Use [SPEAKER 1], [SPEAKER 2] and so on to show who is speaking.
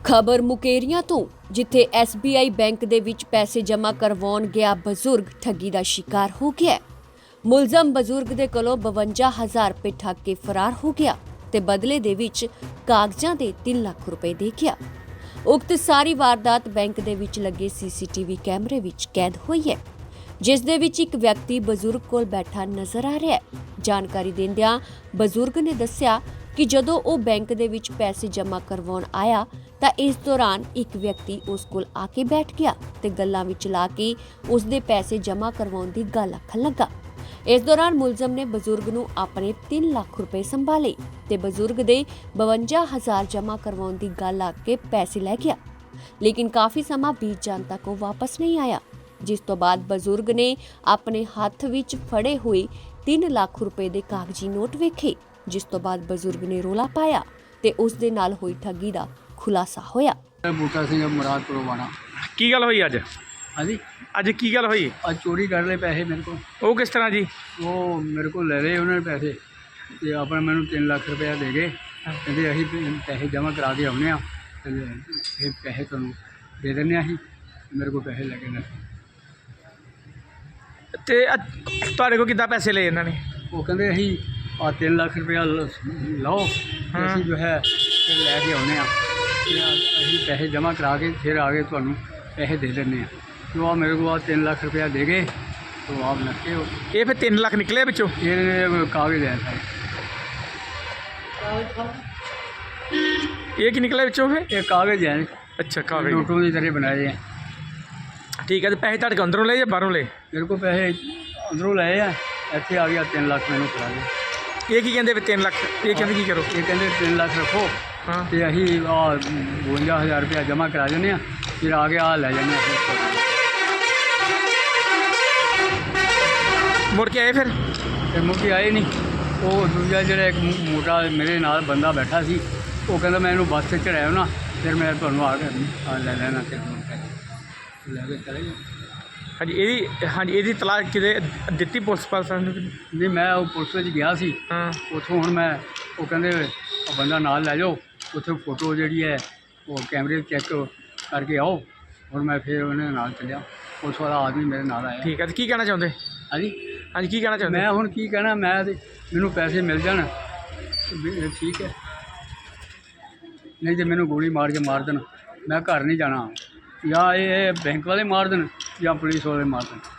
[SPEAKER 1] ਖਬਰ ਮੁਕੇਰੀਆਂ ਤੋਂ, ਜਿੱਥੇ SBI ਬੈਂਕ ਦੇ ਵਿੱਚ ਪੈਸੇ ਜਮ੍ਹਾਂ ਕਰਵਾਉਣ ਗਿਆ ਬਜ਼ੁਰਗ ਠੱਗੀ ਦਾ ਸ਼ਿਕਾਰ ਹੋ ਗਿਆ। ਮੁਲਜ਼ਮ ਬਜ਼ੁਰਗ ਦੇ ਕੋਲੋਂ 52,000 ਰੁਪਏ ਠੱਗ ਕੇ ਫਰਾਰ ਹੋ ਗਿਆ ਤੇ ਬਦਲੇ ਦੇ ਵਿੱਚ ਕਾਗਜ਼ਾਂ ਦੇ 3 ਲੱਖ ਰੁਪਏ ਦੇ ਗਿਆ। ਉਕਤ ਸਾਰੀ ਵਾਰਦਾਤ ਬੈਂਕ ਦੇ ਵਿੱਚ ਲੱਗੇ CCTV ਕੈਮਰੇ ਵਿੱਚ ਕੈਦ ਹੋਈ ਹੈ, ਜਿਸ ਦੇ ਵਿੱਚ ਇੱਕ ਵਿਅਕਤੀ ਬਜ਼ੁਰਗ ਕੋਲ ਬੈਠਾ ਨਜ਼ਰ ਆ ਰਿਹਾ ਹੈ। ਜਾਣਕਾਰੀ ਦਿੰਦਿਆਂ ਬਜ਼ੁਰਗ ਨੇ ਦੱਸਿਆ ਕਿ ਜਦੋਂ ਉਹ ਬੈਂਕ ਦੇ ਵਿੱਚ ਪੈਸੇ ਜਮ੍ਹਾਂ ਕਰਵਾਉਣ ਆਇਆ ਤਾਂ ਇਸ ਦੌਰਾਨ ਇੱਕ ਵਿਅਕਤੀ ਉਸ ਕੋਲ ਆ ਕੇ ਬੈਠ ਗਿਆ ਤੇ ਗੱਲਾਂ ਵਿੱਚ ਲਾ ਕੇ ਉਸ ਦੇ ਪੈਸੇ ਜਮ੍ਹਾਂ ਕਰਵਾਉਣ ਦੀ ਗੱਲ ਆਖਣ ਲੱਗਾ। ਇਸ ਦੌਰਾਨ ਮੁਲਜ਼ਮ ਨੇ ਬਜ਼ੁਰਗ ਨੂੰ ਆਪਣੇ 3 ਲੱਖ ਰੁਪਏ ਸੰਭਾਲੇ ਤੇ ਬਜ਼ੁਰਗ ਦੇ 52,000 ਜਮ੍ਹਾਂ ਕਰਵਾਉਣ ਦੀ ਗੱਲ ਆ ਕੇ ਪੈਸੇ ਲੈ ਗਿਆ, ਲੇਕਿਨ ਕਾਫੀ ਸਮਾਂ ਬੀਤ ਜਾਣ ਤੱਕ ਉਹ ਵਾਪਸ ਨਹੀਂ ਆਇਆ, ਜਿਸ ਤੋਂ ਬਾਅਦ ਬਜ਼ੁਰਗ ਨੇ ਆਪਣੇ ਹੱਥ ਵਿੱਚ ਫੜੇ ਹੋਏ 3 ਲੱਖ ਰੁਪਏ ਦੇ ਕਾਗਜ਼ੀ ਨੋਟ ਵੇਖੇ, ਜਿਸ ਤੋਂ ਬਾਅਦ ਬਜ਼ੁਰਗ ਨੇ ਰੋਲਾ ਪਾਇਆ ਤੇ ਉਸ ਦੇ ਨਾਲ ਹੋਈ ਠੱਗੀ ਦਾ ਖੁਲਾਸਾ ਹੋਇਆ।
[SPEAKER 2] ਬੂਟਾ ਸਿੰਘ ਮੁਰਾਦਪੁਰੋਂ ਆਣਾ।
[SPEAKER 3] ਕੀ ਗੱਲ ਹੋਈ ਅੱਜ?
[SPEAKER 2] ਹਾਂਜੀ,
[SPEAKER 3] ਅੱਜ ਕੀ ਗੱਲ ਹੋਈ?
[SPEAKER 2] ਅੱਜ ਚੋਰੀ ਕਰ ਲਏ ਪੈਸੇ ਮੇਰੇ ਕੋਲ।
[SPEAKER 3] ਉਹ ਕਿਸ ਤਰ੍ਹਾਂ ਜੀ?
[SPEAKER 2] ਉਹ ਮੇਰੇ ਕੋਲ ਲੈ ਲਏ ਉਹਨਾਂ ਨੇ ਪੈਸੇ ਤੇ ਆਪਣਾ ਮੈਨੂੰ 3 ਲੱਖ ਰੁਪਇਆ ਦੇ ਗਏ। ਕਹਿੰਦੇ ਅਸੀਂ ਪੈਸੇ ਜਮ੍ਹਾਂ ਕਰਾ ਕੇ ਆਉਂਦੇ ਹਾਂ ਤੇ ਇਹ ਪੈਸੇ ਤੁਹਾਨੂੰ ਦੇ ਦਿੰਦੇ ਹਾਂ। ਅਸੀਂ ਮੇਰੇ ਕੋਲ ਪੈਸੇ ਲੈ ਕੇ ਨਾ
[SPEAKER 3] ਤੇ ਤੁਹਾਡੇ ਕੋਲ ਕਿੱਦਾਂ ਪੈਸੇ ਲਏ ਇਹਨਾਂ ਨੇ?
[SPEAKER 2] ਉਹ ਕਹਿੰਦੇ ਅਸੀਂ 3 ਲੱਖ ਰੁਪਇਆ ਲਓ ਤੇ ਅਸੀਂ ਜੋ ਹੈ ਫਿਰ ਲੈ ਕੇ ਆਉਂਦੇ ਹਾਂ ਤੇ ਅਸੀਂ ਪੈਸੇ ਜਮ੍ਹਾਂ ਕਰਾ ਕੇ ਫਿਰ ਆ ਕੇ ਤੁਹਾਨੂੰ ਪੈਸੇ ਦੇ ਦਿੰਦੇ ਹਾਂ। तो आप मेरे को 3 लाख रुपया दे गए तो आप नक्के हो।
[SPEAKER 3] ये फिर 3 लाख निकले बिचों?
[SPEAKER 2] ये कागज है सारे।
[SPEAKER 3] ये की निकले बिचों फिर?
[SPEAKER 2] ये कागज है।
[SPEAKER 3] अच्छा, कागज
[SPEAKER 2] नोटों की तरह बनाए हैं।
[SPEAKER 3] ठीक है, तो पैसे ਤੁਹਾਡੇ ਅੰਦਰੋਂ ਲਏ ਜਾਂ ਬਾਹਰੋਂ ਲਏ?
[SPEAKER 2] मेरे को पैसे अंदरों लाए हैं, ਇੱਥੇ आ गया 3 लाख मैंने करा दिया।
[SPEAKER 3] ये की कहते भी 3 लाख? ये कहते की करो?
[SPEAKER 2] ये कहते 3 लाख रखो
[SPEAKER 3] हाँ
[SPEAKER 2] तो असी 52,000 रुपया जमा करा देने फिर आ गया लै जाने।
[SPEAKER 3] मुड़ के आए फिर
[SPEAKER 2] मुड़ के आए नहीं। वो दूजा जो एक मोटा मेरे नाल बंदा बैठा सी, वो कहता मैं इन्हूं बस से चढ़ाया ना फिर मैं तुहानूं आ लै लैना ते लैके चले गए।
[SPEAKER 3] हाँ जी, ਇਹਦੀ ਤਲਾਕ ਕਿਤੇ ਦਿੱਤੀ ਪੁਲਿਸ ਪਾਸ ਨੂੰ?
[SPEAKER 2] नहीं मैं वो पुलिस में गया सी,
[SPEAKER 3] हाँ
[SPEAKER 2] ਉੱਥੋਂ ਹੁਣ ਮੈਂ ਉਹ ਕਹਿੰਦੇ ਬੰਦਾ ਨਾਲ ਲੈ ਜਾਓ, ਉੱਥੇ ਫੋਟੋ ਜਿਹੜੀ ਹੈ ਉਹ ਕੈਮਰੇ ਚੈੱਕ ਕਰਕੇ ਆਓ। ਹੁਣ ਮੈਂ ਫਿਰ ਉਹਨੇ ਨਾਲ ਚੱਲਿਆ, ਪੁਲਿਸ ਵਾਲਾ ਆਦਮੀ ਮੇਰੇ ਨਾਲ ਆਇਆ।
[SPEAKER 3] ਠੀਕ ਹੈ, ਤੇ ਕੀ ਕਹਿਣਾ ਚਾਹੁੰਦੇ?
[SPEAKER 2] ਹਾਂਜੀ
[SPEAKER 3] ਹਾਂਜੀ, ਕੀ ਕਹਿਣਾ ਚਾਹੁੰਦੇ?
[SPEAKER 2] ਮੈਂ ਹੁਣ ਕੀ ਕਹਿਣਾ, ਮੈਂ ਤੇ ਮੈਨੂੰ ਪੈਸੇ ਮਿਲ ਜਾਣ ਵੀ ਠੀਕ ਹੈ, ਨਹੀਂ ਤੇ ਮੈਨੂੰ ਗੋਲੀ ਮਾਰ ਕੇ ਮਾਰ ਦੇਣ, ਮੈਂ ਘਰ ਨਹੀਂ ਜਾਣਾ, ਜਾਂ ਇਹ ਬੈਂਕ ਵਾਲੇ ਮਾਰ ਦੇਣ ਜਾਂ ਪੁਲਿਸ ਵਾਲੇ ਮਾਰ ਦੇਣ।